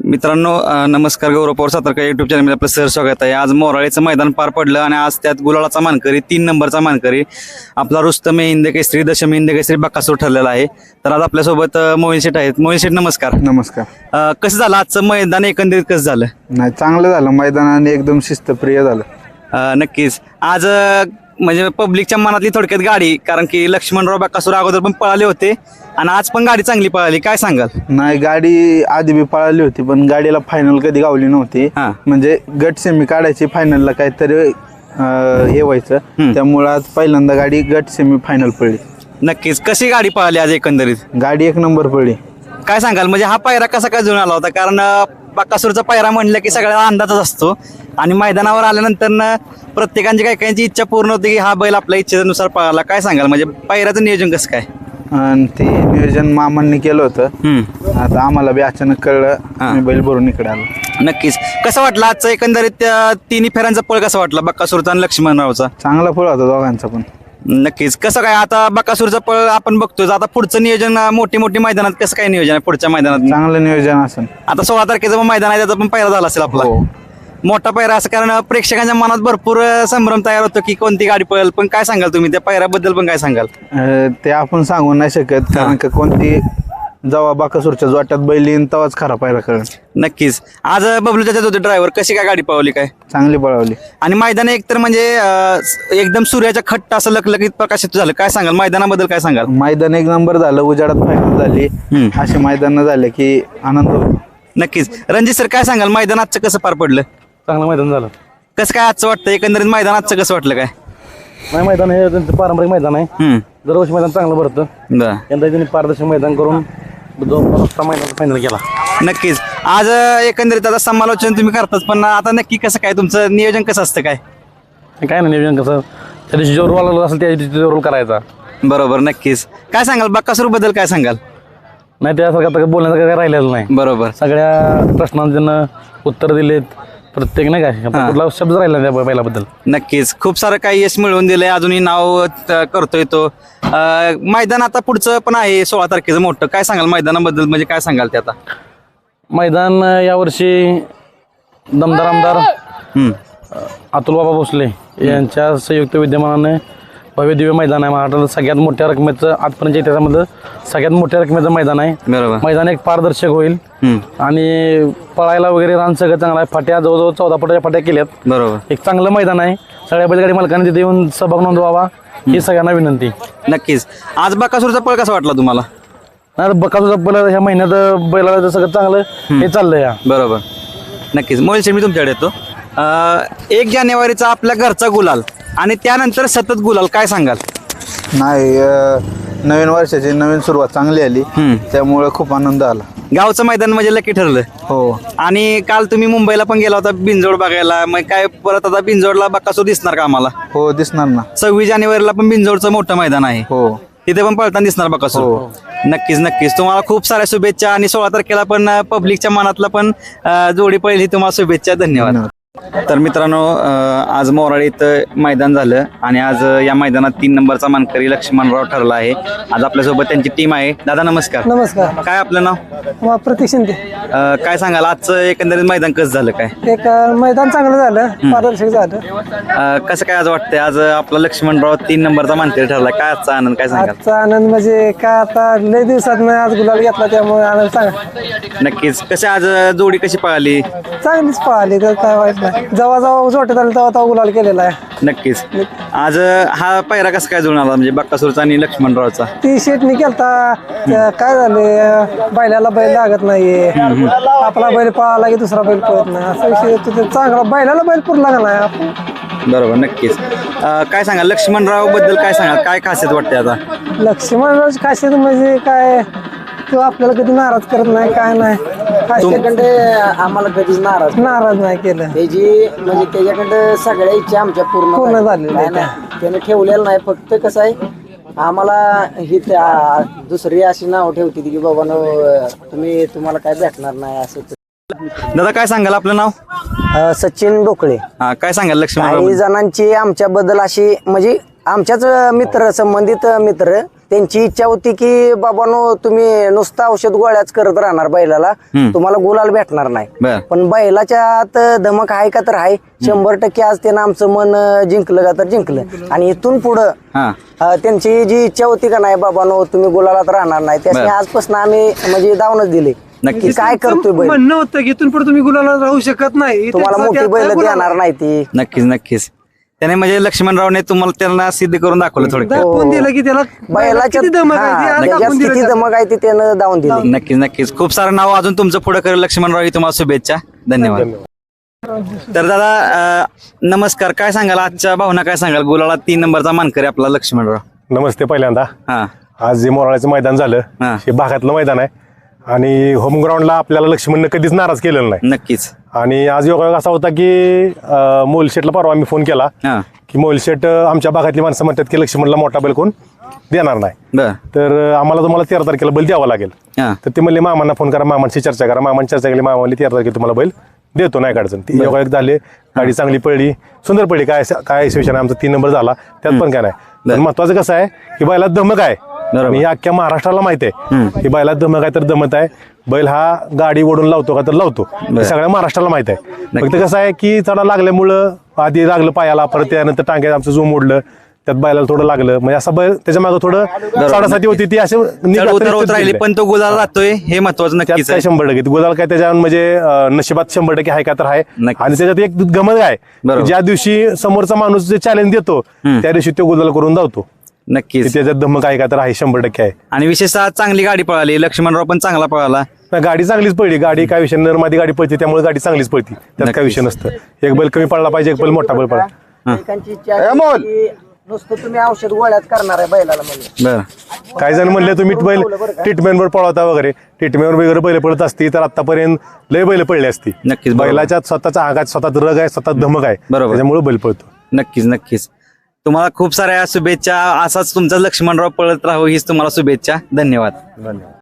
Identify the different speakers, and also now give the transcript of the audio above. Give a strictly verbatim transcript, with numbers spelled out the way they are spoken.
Speaker 1: मित्रांनो नमस्कार. गौरव पवार सातारकर युट्यूब चॅनलमध्ये आपलं सर स्वागत आहे. आज मोराळेचं मैदान पार पडलं आणि आज त्यात गुलालाचा मानकरी तीन नंबरचा मानकरी आपला रुस्तम हिंद केसरी दशमी हिंद केसरी बकासूर ठरलेला आहे. तर आज आपल्यासोबत मोहिन शेठ आहेत. मोहिन शेठ नमस्कार.
Speaker 2: नमस्कार.
Speaker 1: कसं झालं आजचं मैदान एकंदरीत कसं झालं?
Speaker 2: नाही चांगलं झालं मैदानाने एकदम शिस्तप्रिय झालं.
Speaker 1: नक्कीच आज म्हणजे पब्लिकच्या मनातली थोडक्यात गाडी, कारण की लक्ष्मणराव बकासूर अगोदर पण पळाले होते आणि आज पण गाडी चांगली पळाली, काय सांगाल?
Speaker 2: नाही गाडी आधी बी पळाली होती पण गाडीला फायनल कधी गावली नव्हती. म्हणजे गट सेमी काढायची, फायनलला काहीतरी हे व्हायचं, त्यामुळे आज पहिल्यांदा गाडी गट सेमी फायनल पडली.
Speaker 1: नक्कीच. कशी गाडी पळाली आज एकंदरीत?
Speaker 2: गाडी एक नंबर पडली.
Speaker 1: काय सांगाल म्हणजे हा पायरा कसा काय जुळून आला होता? कारण बकासूरचा पायरा म्हणलं की सगळ्याला अंदाजच असतो आणि मैदानावर आल्यानंतर प्रत्येकाची काही काहींची इच्छा पूर्ण होती की हा बैल आपल्या इच्छेनुसार पळाला. काय सांगाल म्हणजे पायऱ्याचं नियोजन कसं काय?
Speaker 2: आणि ते नियोजन मामांनी केलं होतं. आता आम्हाला बी अचानक कळलं, बैल भरून इकडे आलो.
Speaker 1: नक्कीच. कसं वाटलं आजचं एकंदरीत तिन्ही फेऱ्यांचा पळ कसा वाटला बकासूरचा आणि लक्ष्मणरावचा?
Speaker 2: चांगला पळ होता दोघांचा पण.
Speaker 1: नक्कीच. कसं काय आता बकासूरचा पळ आपण बघतोय, आता पुढचं नियोजन मोठी मोठी मैदानात कसं काय नियोजन आहे पुढच्या मैदानात?
Speaker 2: चांगलं नियोजन असेल.
Speaker 1: आता सोळा तारखेचं पण मैदान आहे, त्याचा पण पायरा झाला असेल आपला मोठा पायरा, असं कारण प्रेक्षकांच्या मनात भरपूर संभ्रम तयार होतो की कोणती गाडी पळेल. पण काय सांगाल तुम्ही त्या पायऱ्याबद्दल पण काय सांगाल?
Speaker 2: ते आपण सांगू नाही शकत, कारण का कोणती जेव्हा बाकासूरच्या जोट्यात बैल येईन तेव्हाच खरा पायरा कळेल.
Speaker 1: नक्कीच. आज बबलू त्याच्यात होते ड्रायव्हर, कशी काय गाडी पळवली? काय
Speaker 2: चांगली पळवली.
Speaker 1: आणि मैदान एकतर म्हणजे एकदम सूर्याच्या खट्ट असं लखलखीत प्रकाशित झालं. काय सांगाल मैदानाबद्दल? काय सांगाल?
Speaker 2: मैदान एक नंबर झालं, उजाडात फायनल झाली, असे मैदान झाले की आनंद होतो.
Speaker 1: नक्कीच. रणजित सर काय सांगाल मैदान आजचं कसं पार पडलं?
Speaker 3: चांगलं मैदान झालं.
Speaker 1: कसं काय आजचं वाटतं एकंदरीत मैदान आजचं कसं वाटलं? काय
Speaker 3: नाही मैदान हे त्यांचं पारंपरिक मैदान आहे, दरवर्षी मैदान चांगलं भरतं. यंदा त्यांनी पारदर्शक मैदान करून मैदान फायनल केला.
Speaker 1: नक्कीच. आज एकंदरीत आता समालोचन तुम्ही करताच, पण आता नक्की कसं काय तुमचं नियोजन कसं असतं? काय
Speaker 3: काय नाही नियोजन कसं त्या दिवशी जो रोल आला असेल त्या दिवशी रोल करायचा.
Speaker 1: बरोबर. नक्कीच. काय सांगाल बकासूर बद्दल? काय सांगाल?
Speaker 3: नाही त्यासारखं आता बोलण्याचं काय राहिलेलं नाही.
Speaker 1: बरोबर.
Speaker 3: सगळ्या प्रश्नांना त्यांना उत्तर दिलेत, प्रत्येक नाही काय कुठला शब्द राहिला त्या बैलाबद्दल.
Speaker 1: नक्कीच. खूप सारं काही यश मिळवून दिलंय, अजूनही नाव करतोय तो. मैदान आता पुढचं पण आहे सोळा तारखेचं मोठं, काय सांगाल मैदानाबद्दल? म्हणजे काय सांगाल ते आता?
Speaker 3: मैदान यावर्षी दमदार आमदार अतुल बाबा भोसले यांच्या संयुक्त विद्यमानाने भव्य दिव्य मैदान आहे. महाराष्ट्रात सगळ्यात मोठ्या रकमेचं आजपर्यंत इतिहासामध्ये सगळ्यात मोठ्या रकमेचं मैदान आहे.
Speaker 1: बरोबर.
Speaker 3: मैदान एक पारदर्शक होईल आणि पळायला वगैरे रान सगळं चांगलं आहे. फाट्या जवळजवळ चौदा फुटाच्या फाट्या केल्यात.
Speaker 1: बरोबर.
Speaker 3: एक चांगलं मैदान आहे. सगळ्या बैलगाडी मालकांनी तिथे येऊन सहभाग नोंदवावा ही सगळ्यांना विनंती.
Speaker 1: नक्कीच. आज बकासूरचा पळ कसा वाटला तुम्हाला?
Speaker 3: नाही बकासूरचा पळ ह्या महिन्यात बैलाला सगळं चांगलं हे चाललंय या.
Speaker 1: बरोबर. नक्कीच. मोहिल मी तुमच्याकडे येतो. एक जानेवारीचा आपल्या घरचा गुलाल आणि त्यानंतर सतत गुलाल, काय सांगाल?
Speaker 2: नाही नवीन वर्षाची नवीन सुरुवात चांगली आली, त्यामुळे खूप आनंद आला.
Speaker 1: गावचं मैदान म्हणजे लकी ठरलं.
Speaker 2: हो.
Speaker 1: आणि काल तुम्ही मुंबईला पण गेला होता बिनजोड बघायला, मग काय परत आता बिनजोडला बकासूर दिसणार का आम्हाला?
Speaker 2: हो दिसणार ना.
Speaker 1: सव्वीस जानेवारीला पण बिनजोडचं मोठं मैदान आहे.
Speaker 2: हो.
Speaker 1: तिथे पण पळताना दिसणार बकासूर. नक्कीच नक्कीच. तुम्हाला खूप साऱ्या शुभेच्छा आणि सोळा तारखेला पण पब्लिकच्या मनातला पण जोडी पहिली, तुम्हाला शुभेच्छा. धन्यवाद. तर मित्रांनो आज मोराळे इथं मैदान झालं आणि आज या मैदानात तीन नंबरचा मानकरी लक्ष्मणराव ठरला आहे. आज आपल्यासोबत त्यांची टीम आहे. दादा नमस्कार.
Speaker 4: नमस्कार.
Speaker 1: काय आपलं नाव?
Speaker 4: प्रतीक शिंदे.
Speaker 1: काय सांगाल आजचं एकंदरीत मैदान कसं झालं? काय
Speaker 4: एक मैदान चांगलं झालं, पारदर्शक झालं.
Speaker 1: कसं काय आज वाटतंय आज आपला लक्ष्मणराव तीन नंबरचा मानकरी ठरला? काय आजचा आनंद? काय सांगाल?
Speaker 4: आजचा आनंद म्हणजे काय आता लय दिवसात आज गुलाल घेतला त्यामुळे आनंद सांगा.
Speaker 1: नक्कीच. कशी आज जोडी कशी पळाली?
Speaker 4: चांगलीच पळाली, तर काय वाईट नाही. जेव्हा जेव्हा जोट्यात आलं तेव्हा तेव्हा गुलाल केलेला आहे.
Speaker 1: नक्कीच. आज हा पायरा कसा काय जुळून आला म्हणजे बकासूरचा आणि लक्ष्मणरावचा?
Speaker 4: ती शेटनी केलता, काय झाले बैलाला बैल लागत नाहीये, आपला बैल पळाला की दुसरा बैल पळत नाही, असा विषय चांगला बैलाला बैल पुरला का नाही आपण.
Speaker 1: बरोबर. नक्कीच. काय सांगा लक्ष्मणराव बद्दल? काय सांगा काय खासियत वाटते आता?
Speaker 4: लक्ष्मणरावची खासियत म्हणजे काय, तो आपल्याला कधी नाराज करत नाही, काय नाही.
Speaker 5: त्याच्याकडे आम्हाला कधीच नाराज
Speaker 4: नाराज नाही केलं.
Speaker 5: त्याची म्हणजे त्याच्याकडे सगळ्या इच्छा आमच्या पूर्ण
Speaker 4: पूर्ण झालेल्या
Speaker 5: नाही त्याने ठेवलेलं नाही. फक्त कसं आहे आम्हाला ही दुसरी अशी नाव ठेवते की बाबा नो तुम्ही तुम्हाला काय भेटणार नाही असं.
Speaker 1: दादा काय सांगाल आपलं नाव?
Speaker 5: सचिन डोकळे.
Speaker 1: हा काय सांगाल लक्ष्मणराव?
Speaker 5: काही जणांची आमच्याबद्दल अशी म्हणजे आमच्याच मित्र संबंधित मित्र त्यांची इच्छा होती की बाबानो तुम्ही नुसतं औषध गोळ्याच करत राहणार बैलाला, तुम्हाला गुलाल भेटणार नाही.
Speaker 1: बर.
Speaker 5: पण बैलाच्या आत धमक आहे का तर आहे. शंभर टक्के आज त्यानं आमचं मन अं, जिंकलं का तर जिंकलं. आणि इथून पुढं
Speaker 1: हा
Speaker 5: अं, त्यांची जी इच्छा होती का नाही बाबानो तुम्ही गुलालात राहणार नाही, त्यासाठी आजपासून आम्ही म्हणजे दावणच दिले
Speaker 1: नक्की.
Speaker 5: की काय करतोय बैल,
Speaker 4: म्हणणं होतं की इथून पुढे तुम्ही गुलाला राहू शकत नाही,
Speaker 5: तुम्हाला
Speaker 4: त्यासाठी
Speaker 5: मोठी बैल
Speaker 4: आता गुलाल
Speaker 5: देणार नाही ती.
Speaker 1: नक्कीच नक्कीच त्याने म्हणजे लक्ष्मणरावने तुम्हाला त्यांना सिद्ध करून दाखवलं थोडक्यात.
Speaker 4: दाखवून दिलं की त्याला
Speaker 5: बैलाच्या
Speaker 4: किती धमक आहे ती
Speaker 5: हा,
Speaker 4: आज
Speaker 5: त्याच्यात
Speaker 4: दाखवून दिलं
Speaker 5: किती
Speaker 4: त्याला.
Speaker 5: धमक आहे ती त्यानं दावून दिली.
Speaker 1: नक्कीच नक्कीच खूप सारं नाव अजून तुमचं पुढे करेल लक्ष्मणराव ही तुम्हाला शुभेच्छा. धन्यवाद. तर दादा अं, नमस्कार. काय सांगाल आजच्या भावना, काय सांगाल? गुलाला तीन नंबरचा मानकरी आपला लक्ष्मणराव.
Speaker 6: नमस्ते. पहिल्यांदा
Speaker 1: हा
Speaker 6: आज जे मोराळ्याचं मैदान झालं
Speaker 1: हा.
Speaker 6: हे भागातलं मैदान आहे आणि होम ग्राउंडला आपल्याला लक्ष्मणनं कधीच नाराज केलेलं नाही.
Speaker 1: नक्कीच.
Speaker 6: आणि आज योगायोग असा होता की अं, मोलशेटला परवा आम्ही फोन केला
Speaker 1: हा
Speaker 6: की मोलशेट अं, आमच्या भागातली माणसं म्हणतात की लक्ष्मणला मोठा बैल कोण देणार नाही,
Speaker 1: बर.
Speaker 6: तर अं, आम्हाला तुम्हाला तेरा तारखेला बैल द्यावा लागेल.
Speaker 1: हा
Speaker 6: तर ते म्हणले मामांना फोन करा, मामांशी चर्चा करा. मामांची चर्चा केली, मामा म्हणले तेरा तारखेला तुम्हाला बैल देतो, नाही अडचण. ती योगायोग झाले, गाडी चांगली पडली, सुंदर पडली. काय काय शिवसेना आमचा तीन नंबर झाला, त्यात पण काय नाही. पण महत्वाचं कसं आहे की बैलात धमक आहे आणि हे अख्ख्या महाराष्ट्राला माहिती आहे की बैलात धमक आहे तर दमत आहे. बैल हा गाडी ओढून लावतो का तर लावतो, हे सगळ्या महाराष्ट्राला माहित आहे. फक्त कसं आहे की चढा लागल्यामुळं आधी लागलं पायाला, परत त्यानंतर टांग्यात आमचं झूम ओढलं, त्यात बैलाला थोडं लागलं, म्हणजे असं बैल त्याच्या मागे थोडं साडेसाती होती ती असे
Speaker 1: चढ उतर होत राहिली पण तो गुलाल जातोय हे महत्वाचं
Speaker 6: त्यात
Speaker 1: नक्कीच
Speaker 6: काय
Speaker 1: आहे.
Speaker 6: शंभर टक्के गुलाल काय त्याच्या म्हणजे अं, नशिबात शंभर टक्के आहे का तर आहे.
Speaker 1: नक्कीच.
Speaker 6: आणि त्याच्यात एक गमत आहे
Speaker 1: बरोबर.
Speaker 6: की ज्या दिवशी समोरचा माणूस जे चॅलेंज देतो त्या दिवशी तो गुलाल करून धावतो.
Speaker 1: नक्कीच.
Speaker 6: त्याच्यात धमक आहे का तर आहे, शंभर टक्के आहे.
Speaker 1: आणि विशेषतः चांगली गाडी पळाली, लक्ष्मणराव पण चांगला पळाला.
Speaker 6: नाही, गाडी चांगलीच पडली. गाडी काय विषय नरमादी गाडी पळते त्यामुळे गाडी चांगलीच पळती, त्यात काय विषय नसतं. एक बैल कमी पडला पाहिजे, एक बैल मोठा बैल पडला.
Speaker 5: एकांची इच्छा आहे की नुसतं तुम्ही औषध गोळ्यात करणार आहे बैलाला म्हणजे.
Speaker 1: बर.
Speaker 6: काही जण म्हणले तुम्ही बैल ट्रीटमेंटवर पळवता वगैरे, ट्रीटमेंटवर वगैरे बैल पळत असती तर आतापर्यंत लय बैल पडली असती.
Speaker 1: नक्कीच, बरोबर.
Speaker 6: बैलाच्या स्वतःचा आघात, स्वतःच रग आहे, स्वतः धमक आहे,
Speaker 1: बरोबर.
Speaker 6: त्याच्यामुळे बैल पळतो.
Speaker 1: नक्कीच नक्कीच. तुम्हाला खूप साऱ्या शुभेच्छा. असाच तुमचा लक्ष्मणराव पळत राहू हीच तुम्हाला शुभेच्छा. धन्यवाद.